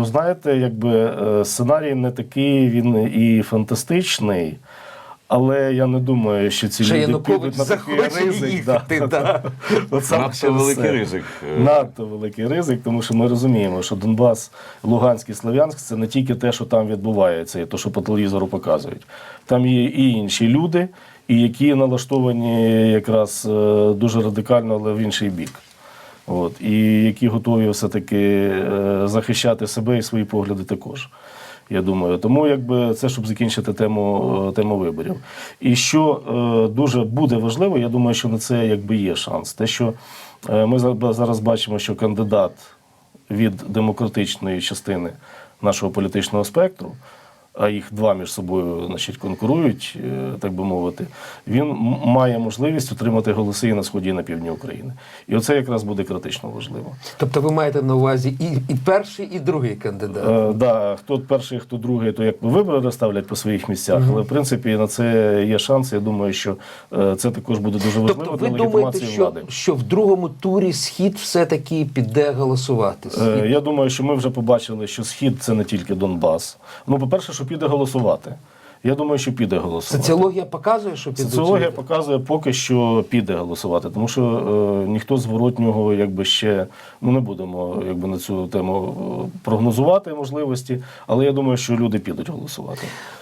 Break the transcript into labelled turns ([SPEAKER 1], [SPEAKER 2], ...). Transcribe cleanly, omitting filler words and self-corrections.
[SPEAKER 1] знаєте, якби сценарій не такий, він і фантастичний, але я не думаю, що ці люди
[SPEAKER 2] Янукович
[SPEAKER 1] підуть на такий
[SPEAKER 2] захоче
[SPEAKER 1] ризик.
[SPEAKER 2] їхати, да.
[SPEAKER 1] От саме
[SPEAKER 3] Надто
[SPEAKER 1] через
[SPEAKER 3] великий
[SPEAKER 1] це.
[SPEAKER 3] ризик.
[SPEAKER 1] Надто великий ризик, тому що ми розуміємо, що Донбас, Луганськ і Слов'янськ – це не тільки те, що там відбувається, і те, що по телевізору показують. Там є і інші люди, і які налаштовані якраз дуже радикально, але в інший бік. От, і які готові все-таки захищати себе і свої погляди також. Я думаю, тому якби це, щоб закінчити тему виборів. І що дуже буде важливо, я думаю, що на це якби є шанс. Те, що ми зараз бачимо, що кандидат від демократичної частини нашого політичного спектру, а їх два між собою, значить, конкурують, так би мовити, він має можливість отримати голоси і на сході, і на півдні України. І оце якраз буде критично важливо.
[SPEAKER 2] Тобто ви маєте на увазі і перший, і другий кандидат?
[SPEAKER 1] Да, хто перший, хто другий, то як вибори розставлять по своїх місцях. Але, в принципі, на це є шанс. Я думаю, що це також буде дуже важливо
[SPEAKER 2] Тобто
[SPEAKER 1] для
[SPEAKER 2] ви думаєте,
[SPEAKER 1] легітимації влади.
[SPEAKER 2] що в другому турі Схід все-таки піде голосувати?
[SPEAKER 1] Я думаю, що ми вже побачили, що Схід – це не тільки Донбас. Ну, по-перше, що піде голосувати. Я думаю, що піде голосувати.
[SPEAKER 2] Соціологія показує, що підуть?
[SPEAKER 1] Соціологія показує поки що піде голосувати, тому що ніхто зворотнього якби ще, ну не будемо якби на цю тему прогнозувати можливості, але я думаю, що люди підуть голосувати.